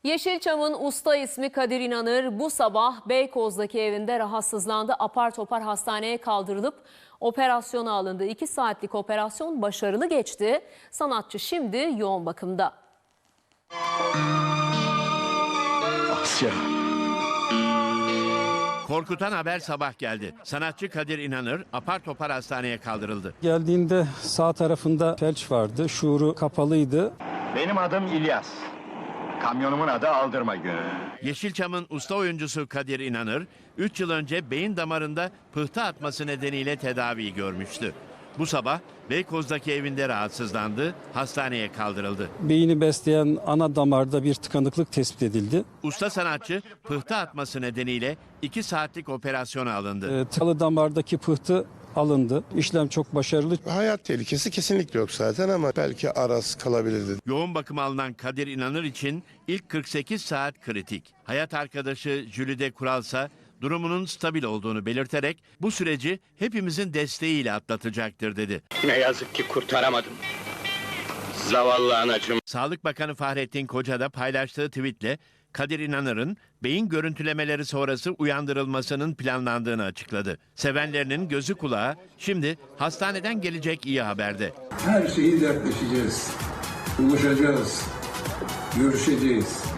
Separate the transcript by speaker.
Speaker 1: Yeşilçam'ın usta ismi Kadir İnanır bu sabah Beykoz'daki evinde rahatsızlandı. Apar topar hastaneye kaldırılıp operasyona alındı. 2 saatlik operasyon başarılı geçti. Sanatçı şimdi yoğun bakımda.
Speaker 2: Asya.
Speaker 3: Korkutan haber sabah geldi. Sanatçı Kadir İnanır apar topar hastaneye kaldırıldı.
Speaker 4: Geldiğinde sağ tarafında felç vardı, şuuru kapalıydı.
Speaker 2: Benim adım İlyas. Kamyonumun adı Aldırma Günü.
Speaker 3: Yeşilçam'ın usta oyuncusu Kadir İnanır 3 yıl önce beyin damarında pıhtı atması nedeniyle tedavi görmüştü. Bu sabah Beykoz'daki evinde rahatsızlandı, hastaneye kaldırıldı.
Speaker 4: Beyni besleyen ana damarda bir tıkanıklık tespit edildi.
Speaker 3: Usta sanatçı pıhtı atması nedeniyle 2 saatlik operasyona alındı.
Speaker 4: Tıkalı damardaki pıhtı alındı. İşlem çok başarılı.
Speaker 5: Hayat tehlikesi kesinlikle yok zaten ama belki araz kalabilirdi.
Speaker 3: Yoğun bakıma alınan Kadir İnanır için ilk 48 saat kritik. Hayat arkadaşı Jülide Kuralsa durumunun stabil olduğunu belirterek bu süreci hepimizin desteğiyle atlatacaktır dedi.
Speaker 6: Ne yazık ki kurtaramadım. Zavallı anacığım.
Speaker 3: Sağlık Bakanı Fahrettin Koca da paylaştığı tweetle Kadir İnanır'ın beyin görüntülemeleri sonrası uyandırılmasının planlandığını açıkladı. Sevenlerinin gözü kulağı şimdi hastaneden gelecek iyi haberde.
Speaker 7: Her şeyi dertleşeceğiz, buluşacağız, görüşeceğiz.